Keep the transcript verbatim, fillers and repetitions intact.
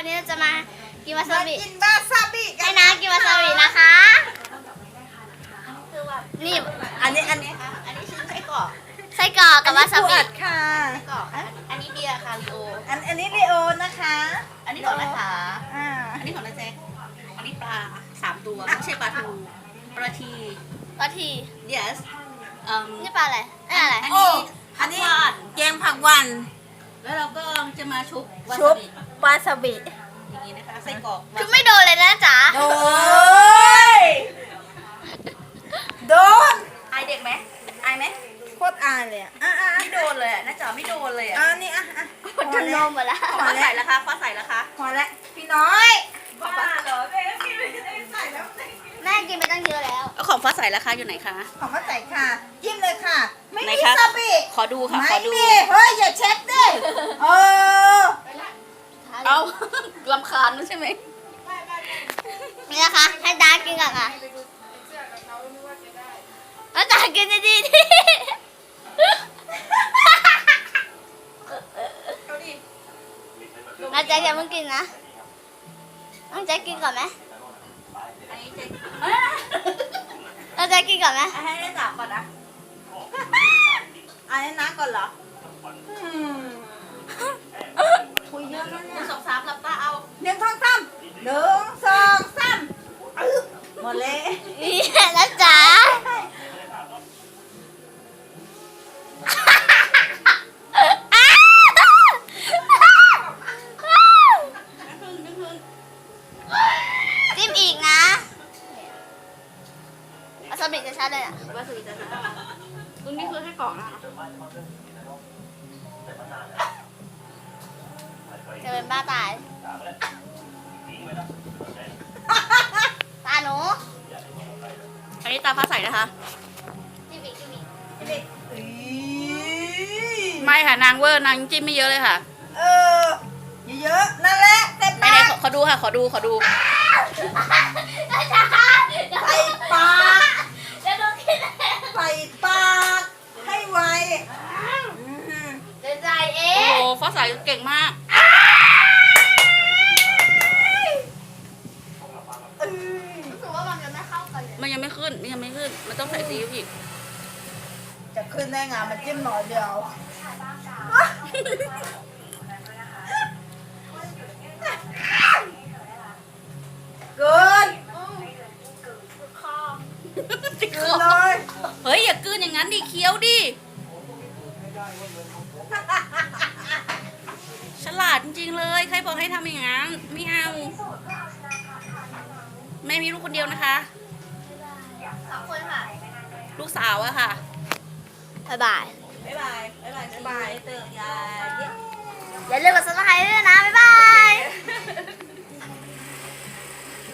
วันนี้เราจะมากินวาซาบิกินวาซาบิกัให้นน้ากินวาซาบินะคะนี่อันนี้อันนี้อันนี้ชิ้นไส้กรอกไส้กรอกกับวาซาบิอันนี้ค่ะไส้กรอกอันนี้เบียร์ค่ะลีโออันอันนี้ลีโอนะคะอันนี้ของนาถาอ่าอันนี้ของนาแจ็คอันนี้ปลาสามตัวไม่ใช่ปลาทูปลาทีปลาที yes อืมนี่ปลาอะไรนี่อะไรอันโอ้นี้อันนี้ผักหวานแกงผักหวานแล้วเราก็จะมาชุบวาชุซาบบิวาซาบิอย่างนี้นะคะไส้กรอกคือไม่โดนเลยนะจ๊ะโดยโดนอายเด็กไหมอายไหมโคตรอายเลยอ่ะอ่ะอ่ะไม่โดนเลยอะน่าจะไม่โดนเลยอะอ่ะนี่อ่ะอ่ะคนทำนมหมดแล้วฟ้าใส่แล้วคะฟ้าใส่แล้วคะพอแล้วพี่น้อยฟ้าเหรอแม่กินไปตั้งเยอะแล้วเอาของฟ้าใส่แล้วคะอยู่ไหนคะของมาใส่ค่ะจิ้มเลยค่ะ ไม่ไหนมีคะซาบิขอดูค่ะไม่ขอดูมีเฮ้ยอย่าเช็ดดิเออเอาลำคาญใช่ไหมนี่นะคะให้ดากินก่อนค่ะแล้วดากินดีๆดิเอาดิน้าแจ๊คอย่าเพิ่งกินนะน้องแจ๊คกินก่อนไหมอันนี้เจ๊น้าแจ๊คกินก่อนไหมให้ได้จับก่อนนะอันนี้น้าก่อนเหรออืมคุยเยอะนะหเนี่นึ่ยงสองสามหลับตาเอาหนึ่งสองสามหนึ่งสองสามอึ๊บหมดเลยนี่นะจ๊ะจิ้มอีกนะวาซาบิจะชัดเลยอ่ะวาซาบิจะทำตรงนี้คือให้กรอกนะคะจะเป็นบ้าตาย ตาหนูอันนี้ตาฟ้าใสนะคะจิ้มอีกจิ้มอีกเด็กอีไม่ค่ะนางเวอร์นางจิ้มไม่เยอะเลยค่ะเออเยอะๆนั่นแหละเต็มไหนปากๆขอขอดูค่ะ ขอดูขอดูใส่ปากเดี๋ยวดูกินเองใส่ปากให้ไวอืมเดี๋ยวใจเอโอ้งโหฟ้าใสเก่งมากอืมรู้สึกว่ามันจะไม่เข้ากันเลยมันยังไม่ขึ้นมันยังไม่ขึ้น มันต้องใส่ซีอิ๊วอีกจะขึ้นได้ไงมันจิ้มหน่อยเดียวเกินคอติดคเกิอนเลยเฮ้ยอย่ากลืนอย่างนั้นดิเคี้ยวดิฉลาดจริงๆเลย ใครบอกให้ทำอย่างนั้นไม่เอาแม่มีลูกคนเดียวนะคะสองคนค่ะลูกสาวอะค่ะบ๊ายบายบ๊ายบายบ๊ายบายบ๊ายบายเตอร์ยายอย่าลืมกดซับสไครต์ด้วยนะ บ๊ายบาย